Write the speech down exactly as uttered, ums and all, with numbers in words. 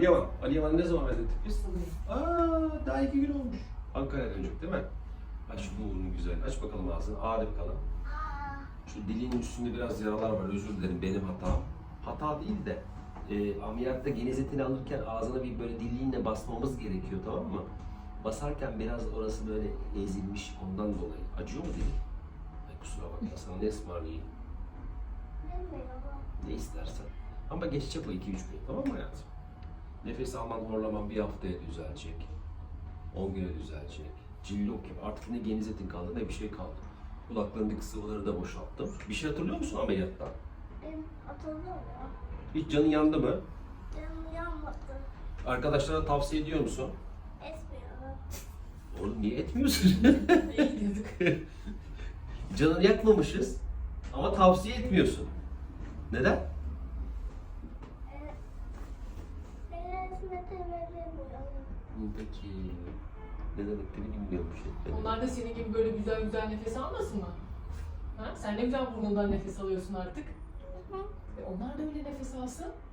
Yaman. Ali Yaman'ı ne zaman methettik biz? Aa, daha iki gün olmuş. Ankara'ya dönecek değil mi? Aç şu burnunu güzel. Aç bakalım ağzını. Ağır bakalım. Şu dilinin üstünde biraz yaralar var. Özür dilerim, benim hatam. Hata değil de e, ameliyatta geniz etini alırken ağzına bir böyle diliyle basmamız gerekiyor, tamam mı? Basarken biraz orası böyle ezilmiş, ondan dolayı. Acıyor mu dilin? Ay kusura bakma, sana ne ısmarlayayım? Ne istersen. Ama geçecek o iki üç gün, tamam mı hayatım? Nefes alman, horlaman bir haftaya düzelecek. on güne düzelecek. Cillok gibi. Artık ne geniz etin kaldı ne bir şey kaldı. Kulaklarındaki sıvıları da boşalttım. Bir şey hatırlıyor musun ameliyattan? Ben hatırlıyorum ya. Hiç canın yandı mı? Canım yanmadı. Arkadaşlara tavsiye ediyor musun? Etmiyorum. Oğlum niye etmiyorsun? İyi diyorduk. Canını yakmamışız ama tavsiye etmiyorsun. Neden? Ee, ben etmedi veremiyorum. Peki. Ne demektiğini bilmiyormuş. Onlar da senin gibi böyle güzel güzel nefes almasın mı? Ha? Sen ne güzel burnundan nefes alıyorsun artık. Hı hı. E onlar da öyle nefes alsın.